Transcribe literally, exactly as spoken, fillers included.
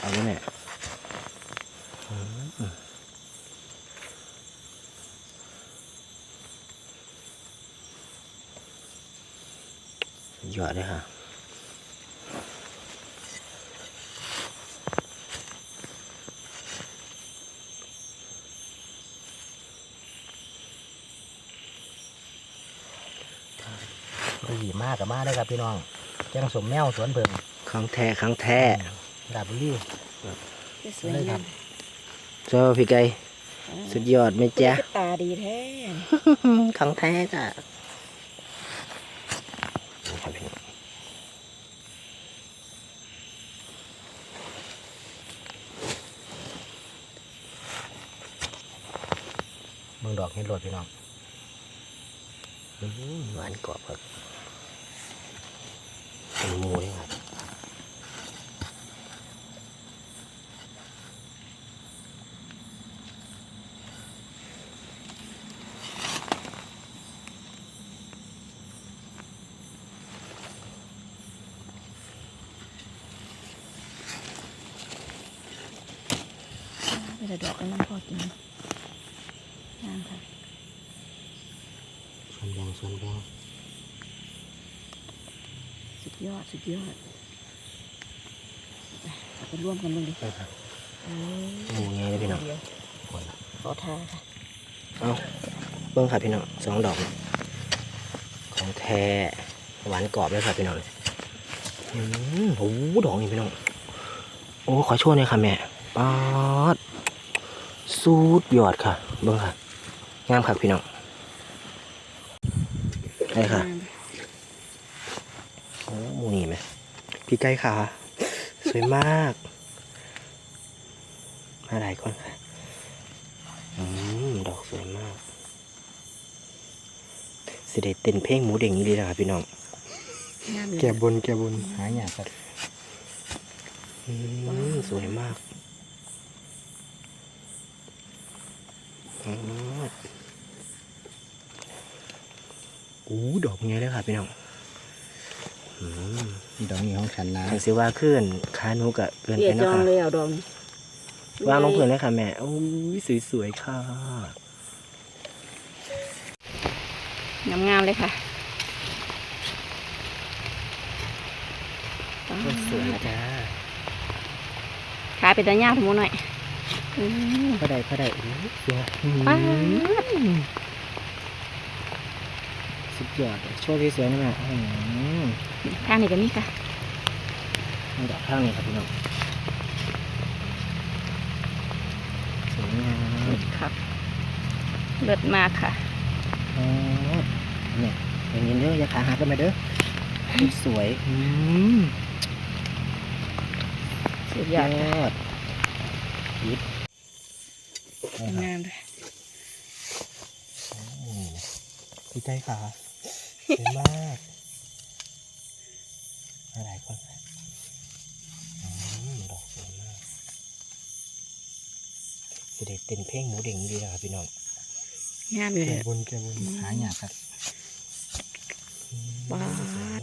เอาไว้เนี่ยหยอดเลยค่ะดีมากกับมากได้ครับพี่น้องแกงสมแมวสวนเพิ่งครั้งแท้ครั้งแท้ดาบบุรีสวยงามเจ้าพี่ไก่สุดยอดไหมจ๊ะตาดีแท้ครั้งแท้จ้ะมึงดอกเห็ดโหลดพี่น้องหวานกรอบครับเป็นหมูเลยครับไม่ได้ดอกกันน้ำพอกินงามค่ะส่วนแบ่งส่วนแบ่งสุดยอดสุดยอดไปร่วมกันเลยดิหมูไงเลยพี่น้องขอทาค่ะเอาเบิ้งค่ะพี่น้องสองดอกของแท้หวานกรอบเลยค่ะพี่น้องอืมโอ้ดอกนี่พี่น้องโอ้ขอช่วยหน่อยค่ะแม่ป๊าดสูดยอดค่ะเบิ้งค่ะงามค่ะพี่น้องได้ค่ะโอ้หมูนี่ไหมพี่ไก่ค่ะสวยมากมาหลายคนค่ะอืมดอกสวยมากสิได้เต้นเพลงหมูเด้งนี้ดีนะครับพี่น้องแก่บนแก่บนหายากครับอืมสวยมากอ๋อโอ้ดอกไงเลยค่ะพี่น้องอืมดอกนี้ของฉันนะทางเสียว่าขึ้นขาหนูกะเกินไปนะค่ะเลยเอาดอกวางลงพื้นเลยค่ะแม่โอ้ยสวยๆค่ะงามๆเลยค่ะสวยจ้าขาเป็นตาหญ้าทั้งหมดหน่อยพอได้พอได้สวยสุดยอดโชว์ที่สวยนี่แม่ข้างนี้ก็มีค่ะดอกข้างนี้ครับพี่น้องสวยงามครับเลิศมากค่ะโอ้เนี่ยอย่างนี้เด้ออย่าขาหักกันไปเด้อสวยอืมสุดยอดยิบงามเลยพี่ใจขาสวยมากอะไรก่อนดอกสวยมากจะได้เต้นเพลงหมูเด้งดีนะครับพี่น้องงามอยู่เลยแกบนแกบนหายากครับว้าว